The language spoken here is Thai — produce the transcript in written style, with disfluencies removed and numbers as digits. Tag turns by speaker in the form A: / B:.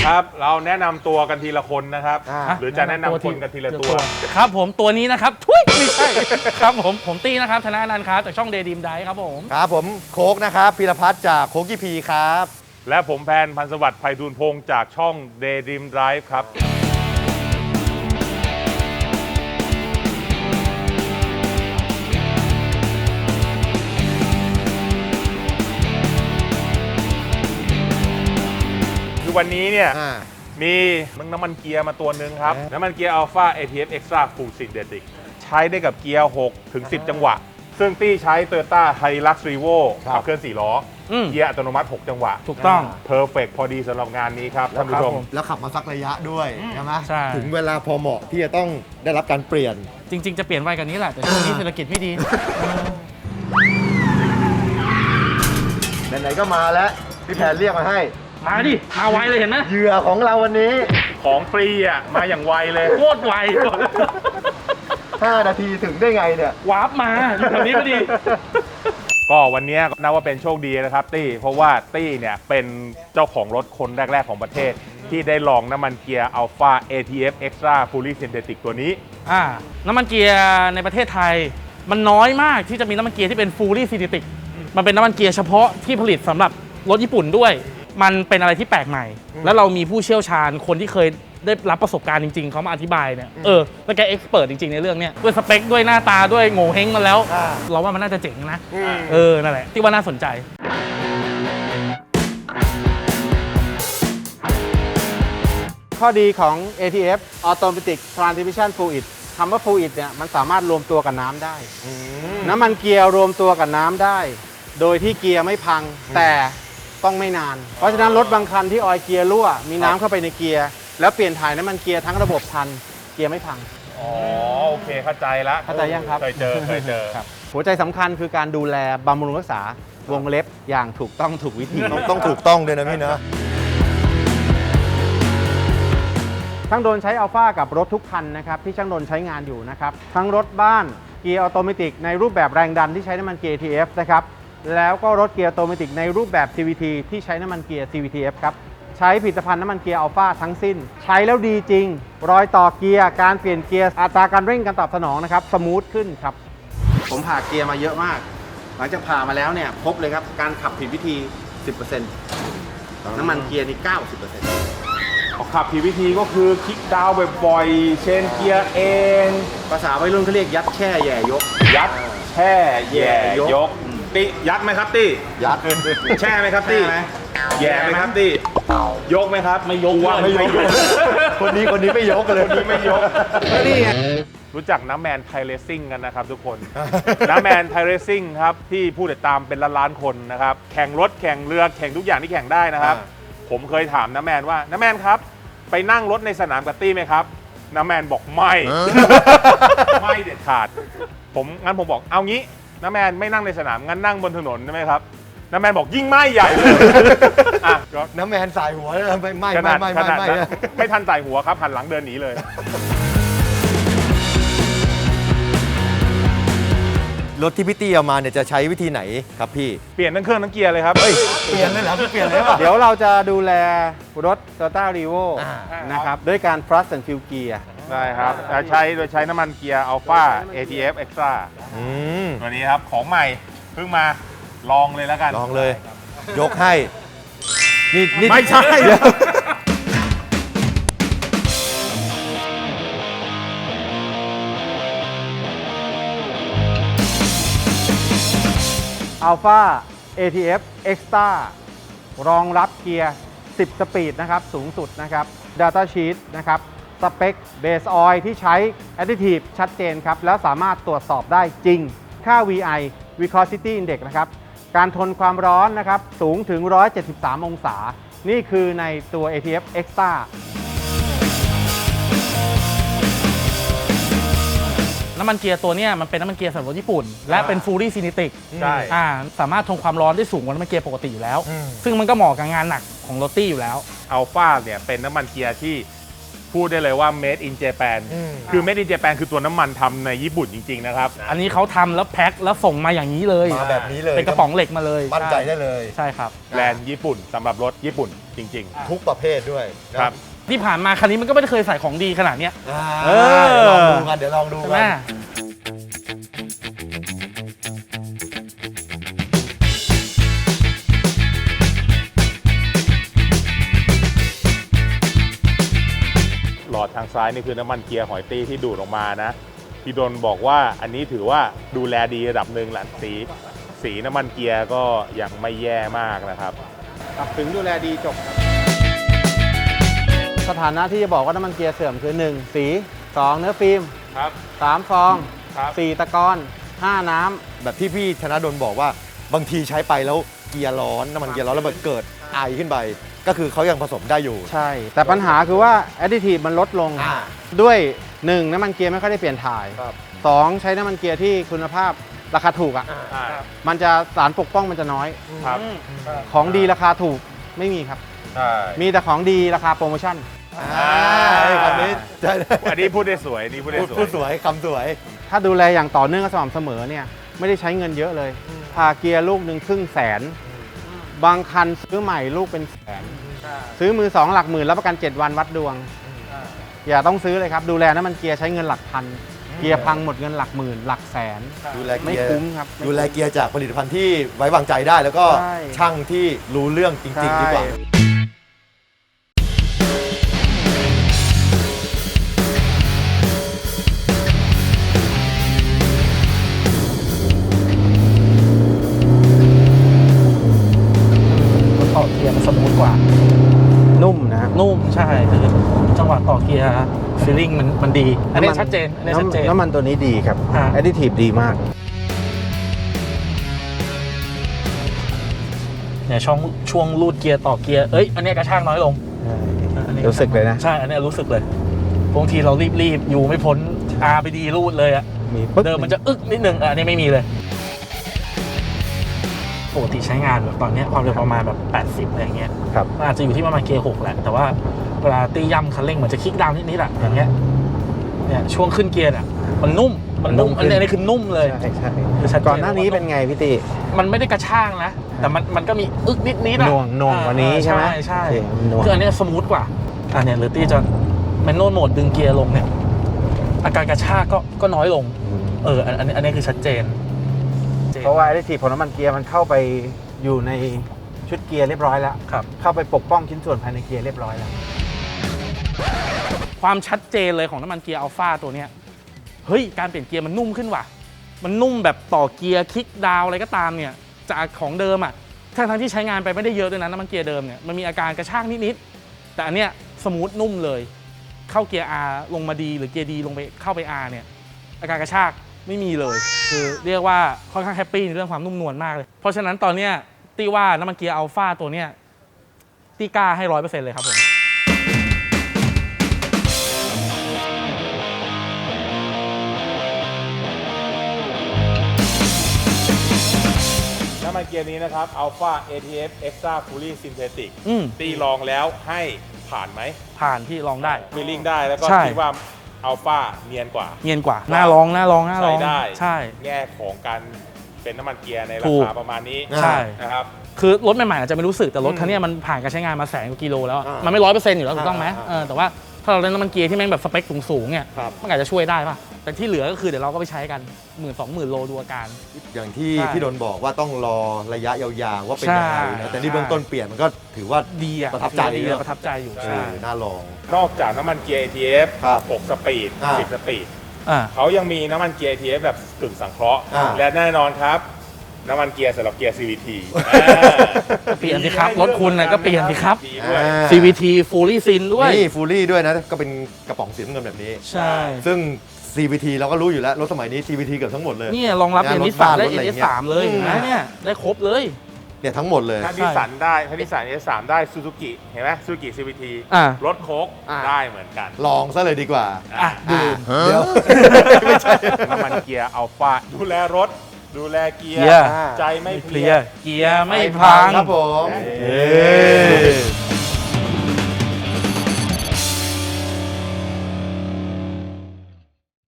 A: ครับเราแนะนำตัวกันทีละคนนะครับหรือจะแนะนำคนกันทีละตัว
B: ครับผมตัวนี้นะครับทุยไม่ใช่ครับผมตี้นะครับธนานันท์ครับจากช่องเดย์ดีมไดครับผม
C: ครับผมโค้กนะครับพีรพัฒน์จากโค้กกีพีครับ
A: และผมแพนพันธ์สวัสดิ์ไพฑูรย์พงศ์จากช่อง Daydream Drive ครับวันนี้เนี่ยมีน้ำมันเกียร์มาตัวหนึ่งครับน้ำมันเกียร์ Alpha ATF Extra Full Synthetic ใช้ได้กับเกียร์6ถึง10 จังหวะซึ่งตี้ใช้ Toyota Hilux Revo ขับเคลื่อน4 ล้อเกียร์อัตโนมัติ6 จังหวะ
B: ถูกต้อง
A: Perfect พอดีสำหรับงานนี้ครับท่านผู้ชม
C: แล้วขับมาสักระยะด้วยใช่ไหม
B: ใช่
C: ถึงเวลาพอเหมาะที่จะต้องได้รับการเปลี่ยน
B: จริงๆจะเปลี่ยนไวกันนี้แหละแต่ช่วงนี้เศรษฐกิจไม่ดี
C: ไหนๆก็มาแล้วพี่แพนเรียกมาให้
B: มาดิมาไวเลยเห็นไหม
C: เหยื่อของเราวันนี้
A: ของฟรีอ่ะมาอย่างไวเลย
B: โคตรไว
C: 5 นาทีถึงได้ไงเนี่ยว
B: าร์ปมาอยู่แถวนี้พอดี
A: ก็วันนี้นับว่าเป็นโชคดีนะครับตี้เพราะว่าตี้เนี่ยเป็นเจ้าของรถคนแรกๆของประเทศที่ได้ลองน้ำมันเกียร์ Alpha ATF Extra Fully Synthetic ตัวนี้
B: น้ำมันเกียร์ในประเทศไทยมันน้อยมากที่จะมีน้ำมันเกียร์ที่เป็น Fully Synthetic มันเป็นน้ำมันเกียร์เฉพาะที่ผลิตสำหรับรถญี่ปุ่นด้วยมันเป็นอะไรที่แปลกใหม่แล้วเรามีผู้เชี่ยวชาญคนที่เคยได้รับประสบการณ์จริงๆเขามาอธิบายเนี่ยแล้วแกเอ็กซ์เพิร์ทจริงๆในเรื่องเนี้ยด้วยสเปคด้วยหน้าตาด้วยโง่เฮงมาแล้วเราว่ามันน่าจะเจ๋งนะนั่นแหละที่ว่าน่าสนใจ
D: ข้อดีของ ATF Automatic Transmission Fluid คำว่า Fluid เนี่ยมันสามารถรวมตัวกับน้ำได้น้ำมันเกียร์รวมตัวกับน้ำได้โดยที่เกียร์ไม่พังแต่ต้องไม่นานเพราะฉะนั้นรถบางคันที่ออยล์เกียร์รั่วมีน้ำเข้าไปในเกียร์แล้วเปลี่ยนถ่ายน้ำมันเกียร์ทั้งระบบทันเกียร์ไม่พัง
A: อ๋อโอเคเข้าใจแล้ว
D: เข้าใจยังครับ
A: เคยเจอ
D: ครับหัวใจสำคัญคือการดูแลบำรุงรักษาวงเล็บอย่างถูกต้องถูกวิธี
C: ต้องถูกต้องด้วยนะพี่นะ
D: ช่างโดนใช้อัลฟากับรถทุกคันนะครับที่ช่างโดนใช้งานอยู่นะครับทั้งรถบ้านเกียร์ออโตเมติกในรูปแบบแรงดันที่ใช้น้ำมันเกียร์ ATF นะครับแล้วก็รถเกียร์ออโตเมติกในรูปแบบ CVT ที่ใช้น้ำมันเกียร์ CVTF ครับใช้ผลิตภัณฑ์น้ำมันเกียร์อัลฟาทั้งสิ้นใช้แล้วดีจริงรอยต่อเกียร์การเปลี่ยนเกียร์อัตราการเร่งการตอบสนองนะครับสมูทขึ้นครับผมผ่าเกียร์มาเยอะมากหลังจากผ่ามาแล้วเนี่ยพบเลยครับการขับผิดวิธี 10% น้ำมันเกียร์นี่ 90%
A: ขับผิดวิธีก็คือคลิกดาวน์บ่อยๆเชนเกียร์เอง
D: ภาษาวัยรุ่นเขาเรียกยัดแช่แย่ยก
A: ยัดแช่แย่ยกตียัดไหมครับตี้
C: ยัด
A: แช่ไหมครับตี้แย่ไหมครับตี้ยกไหมครับ
B: ไม่ยก
A: ว่าไม่ยก
C: คนนี้ไม่ยกเลย
A: คนนี้ไม่ยกนี่รู้จักน้ำแมนไทเรซิ่งกันนะครับทุกคนน้ำแมนไทเรซิ่งครับที่ผู้ติดตามเป็นล้านๆคนนะครับแข่งรถแข่งเรือแข่งทุกอย่างที่แข่งได้นะครับผมเคยถามน้ำแมนว่าน้ำแมนครับไปนั่งรถในสนามกับตี้ไหมครับน้ำแมนบอกไม่ไม่เด็ดขาดงั้นผมบอกเอางี้น้ำแมนไม่นั่งในสนามงั้นนั่งบนถนนใช่ไหมครับน้ำแมนบอกยิ่งไม่ใหญ่
C: น้ำแมนสายหัวไม่
A: ไม่ทันสายหัวครับหันหลังเดินหนีเลย
C: รถที่พี่ตี้เอามาเนี่ยจะใช้วิธีไหนครับพี่
A: เปลี่ยนทั้งเครื่องทั้งเกียร์เลยครับ
C: เปลี่ยนเลยเหรอพี่เปลี่ยนเลย
D: เดี๋ยวเราจะดูแลรถ Toyota Revo นะครับด้วยการ Flush and Fill Gear
A: ได้ครับโดยใช้น้ำมันเกียร์ Alpha ATF Extra ตัวนี้ครับของใหม่เพิ่งมาลองเลยแล้วกัน
C: ลองเลยยกให้นี่
A: ไม่ใช่
D: Alpha ATF Extra รองรับเกียร์ 10 สปีดนะครับสูงสุดนะครับ Data Sheet นะครับสเปค Base Oil ที่ใช้ Additive ชัดเจนครับแล้วสามารถตรวจสอบได้จริงค่า VI Viscosity Index นะครับการทนความร้อนนะครับสูงถึง 173 องศานี่คือในตัว ATF Extra
B: น้ำมันเกียร์ตัวนี้มันเป็นน้ำมันเกียร์สำหรับรถญี่ปุ่นและเป็น Fully Synthetic
A: ใช่
B: สามารถทนความร้อนได้สูงกว่าน้ำมันเกียร์ปกติอยู่แล้วซึ่งมันก็เหมาะกับงานหนักของรถตี้อยู่แล้ว
A: อัลฟาเนี่ยเป็นน้ำมันเกียร์ที่พูดได้เลยว่า made in Japan คือ made in Japan คือตัวน้ำมันทำในญี่ปุ่นจริงๆนะครับ
B: อันนี้เขาทำแล้วแพ็คแล้วส่งมาอย่างนี้เลย
C: มาแบบนี้เลย
B: เป็นกระป๋องเหล็กมาเลย
C: มั่นใจได้เลย
B: ใช่ครับ
A: แบรนด์ญี่ปุ่นสำหรับรถญี่ปุ่นจริง
C: ทุกประเภทด้วย
A: ๆ
C: นะครับ
B: ที่ผ่านมาคันนี้มันก็ไม่ได้เคยใส่ของดีขนาดเนี้ย
C: เอเดี๋ยวลองดู
B: ใช่
C: กั
B: ไหม
C: น
A: หลอดทางซ้ายนี่คือน้ำมันเกียร์หอยตี้ที่ดูดออกมานะพี่ดนบอกว่าอันนี้ถือว่าดูแลดีระดับหนึ่งแหละสีน้ำมันเกียร์ก็ยังไม่แย่มากนะครับ
D: ถึงดูแลดีจบครับสถานะที่จะบอกว่าน้ำมันเกียร์เสื่อมคือ 1. สี 2. เนื้อฟิล์ม
A: ครับ
D: 3. ฟอง
A: ครับ
D: 4. ตะกอน 5. น้ำ
C: แบบที่พี่ธนดลบอกว่าบางทีใช้ไปแล้วเกียร์ร้อนน้ำมันเกียร์ร้อนแล้วมันเกิดไอขึ้นไป ก็คือเขายังผสมได้อยู่
D: ใช่ แต่ปัญหาคือว่าแอดดิทีฟมันลดลง
C: อ่า
D: ด้วย 1. น้ำมันเกียร์ไม่ค่อยได้เปลี่ยนถ่าย
C: ครับ
D: 2. ใช้น้ำมันเกียร์ที่คุณภาพราคาถูกอ่ะ
A: ใช่
D: มันจะสารปกป้องมันจะน้อย
A: ครับ
D: ของดีราคาถูกไม่มีครับ
A: ใช่
D: มีแต่ของดีราคาโปรโมชั่น
C: คำนี้ใช่
A: อันนี้พูดได้สวยอันนี้พูดได้สวย
C: พูดสวยคำสวย
D: ถ้าดูแลอย่างต่อเนื่องและสม่ำเสมอเนี่ยไม่ได้ใช้เงินเยอะเลยพาเกียร์ลูกหนึ่งครึ่งแสน บางคันซื้อใหม่ลูกเป็นแสน ซื้อมือสองหลักหมื่นรับประกัน 7 วันวัดดวง อย่าต้องซื้อเลยครับ ดูแลน้ำมันเกียร์ใช้เงินหลักพัน เกียร์พังหมดเงินหลักหมื่น หลักแสน
C: ดูแล
D: ไม่
C: เกียร์
D: คุ้มครับ
C: ดูแลเกียร์จากผลิตภัณฑ์ที่ไว้วางใจได้ แล้วก็
D: ใช่
C: ช่างที่รู้เรื่องจริงๆดีกว่า
D: ใช่
B: ต่อเกียร์มันสมูทกว่า
D: นุ่มนะครับ
B: นุ่มใช่คือจังหวะต่อเกียร์ฟีลลิ่งมันดี อันนี้ชัดเจนอันนี้ชัดเจน
D: น้ำมันตัวนี้ดีครับ
B: อ่า
D: แอดดิทีฟดีมาก
B: เนี่ยช่วงรูดเกียร์ต่อเกียร์เอ้ยอันนี้กระชากน้อยลงอันนี้
D: รู้สึกเลยนะ
B: ใช่อันนี้รู้สึกเลยบางทีเรารีบอยู่ไม่พ้นอาไปดีรูดเลยอะ
D: มีปึ๊ก
B: เดิมมันจะอึกนิดนึงอันนี้ไม่มีเลยปกติใช้งานแบบตอนเนี้ยความเร็วประมาณแบบ80อะไรอย่างเงี้ย
D: ครับ
B: มันอาจจะอยู่ที่ประมาณเกียร์6แหละแต่ว่าเวลาตีย่ำคันเร่งมันจะคลิกดาวน์นิดๆอะอย่างเงี้ยเนี่ยช่วงขึ้นเกียร์อะมันนุ่มอันนี้คือนุ่มเลย
D: ใช่ใช่
B: คือชัดเจน
D: ก่อนหน้านี้เป็นไงพี่ตี
B: มันไม่ได้กระชากนะ แต่มันก็มีอึกนิดๆอะ
D: หน่วงกว่านี้ใช่ไหม
B: ใช่
D: โอเคหน่วง
B: คืออันเนี้ยสมูทกว่าอันเนี้ยหรือตี้จะแมนนวลโหมดดึงเกียร์ลงเนี่ยอาการกระชากก็น้อยลงอันนี้คือชัดเจน
D: เพราะว่าแอดดิทีฟของน้ำมันเกียร์มันเข้าไปอยู่ในชุดเกียร์เรียบร้อยแล้ว
B: ครับ
D: เข้าไปปกป้องชิ้นส่วนภายในเกียร์เรียบร้อยแล้ว
B: ความชัดเจนเลยของน้ำมันเกียร์อัลฟาตัวเนี้ยเฮ้ยการเปลี่ยนเกียร์มันนุ่มขึ้นว่ะมันนุ่มแบบต่อเกียร์คลิกดาวน์อะไรก็ตามเนี่ยจากของเดิมอ่ะทั้งที่ใช้งานไปไม่ได้เยอะด้วยนะน้ำมันเกียร์เดิมเนี่ยมันมีอาการกระชากนิดๆแต่อันเนี้ยสมูทนุ่มเลยเข้าเกียร์ R ลงมาดีหรือเกียร์ดีลงไปเข้าไป R เนี่ยอาการกระชากไม่มีเลยคือเรียกว่าค่อนข้างแฮปปี้ในเรื่องความนุ่มนวลมากเลยเพราะฉะนั้นตอนเนี้ยตีว่าน้ำมันเกียร์อัลฟาตัวเนี้ยตีกล้าให้ 100% เลยครับผม
A: น้ำมันเกียร์นี้นะครับ Alpha ATF Extra Fully Synthetic
B: อืม
A: ตีลองแล้วให้ผ่านไหม
B: ผ่านที่ลองได้
A: ฟีลลิ่งได้แล้วก็
B: ใช่
A: คิดว่า Alpha เนียนกว่า
B: เงียนกว่าน่าลอง
A: ใช้ได้
B: ใช่
A: แง่ของการเป็นน้ำมันเกียร์ในรา
B: ถูก
A: คาประมาณนี้
B: ใช่
A: นะครับ
B: คือรถใหม่ๆอาจจะไม่รู้สึกแต่รถคันเนี้ยมันผ่านการใช้งานมา100,000 กว่ากิโลแล้วอะมันไม่100%อยู่แล้วถูกต้องไหมแต่ว่าถ้าเราเล่นน้ำมันเกียร์ที่แม่งแบบสเปคสูงๆเนี่ย
C: ครับ
B: มันอาจจะช่วยได้ป่ะแต่ที่เหลือก็คือเดี๋ยวเราก็ไปใช้กัน 10,000-20,000 โลดูอาการ
C: อย่างที่
B: ใช่
C: พี่ดนบอกว่าต้องรอระยะยาวๆว่าเป็นยังไง
B: ใช่
C: นะแต่นี่เบื้องต้นเปลี่ยนมันก็ถือว่า
B: ดีอะ
C: ประทับใจ
B: ดี
C: เน
B: อะ
C: อะ
B: ประทับใจอยู่
A: ใช่
B: ใช่
C: น่าลอง
A: นอกจากน้ำมันเกียร์ ATF
C: ครับ
A: 6 สปีด
C: อ่า
A: 10 สปีด
B: อ่า
A: เขายังมีน้ำมันเกียร์ ATF แบบกึ่งสังเคราะห์
C: อ่า
A: และแน่นอนครับ น้ำมันเกียร์สำหรับเกียร์ CVT
B: ก็เปลี่ยนสิครับรถคุณน่ะก็เปลี่ยนสิครับ
A: ดีด้วย
B: CVT Fully Syn ด้วย
C: นี่ฟูลี่ด้วยนะ ก็เป็นกระป๋องสีน้ำเงินแบบนี้
B: ใช่
C: ซึ่ง CVT เราก็รู้อยู่แล้ว รถสมัยนี้ CVT เกือบทั้งหมดเลย
B: เนี่ยรองรับ
C: งาน
B: เอ
C: รถ
B: นิสาม
C: บ้าน
B: ได้
C: รถอะไร
B: เอ
C: อย่าง
B: นิ
C: เงี้ย
B: สามเลย
C: อืม
B: นะเนี่ยได้ครบเลย
C: เนี่ยทั้งหมดเลย
A: ถ้านิสสันได้ถ้านิสสัน S3 ได้ซูซูกิเห็นไหมซูซูกิ CVT
B: อ่ะ
A: รถโค้ก
C: อ่า
A: ได้เหมือนกัน
C: ลองซะเลยดีกว่า
B: อ่ะดู
C: เดี๋ยว
A: ไม่ใช่น้ำมันเกียร์อัลฟาดูแลรถ ดูแลเกียร์
B: เกียร์
A: ใจไม่เพ
B: เค
A: ลี
B: ลี
A: ย
B: ยร์เกียร์ไม่พัง
C: ครับผม
B: เอ้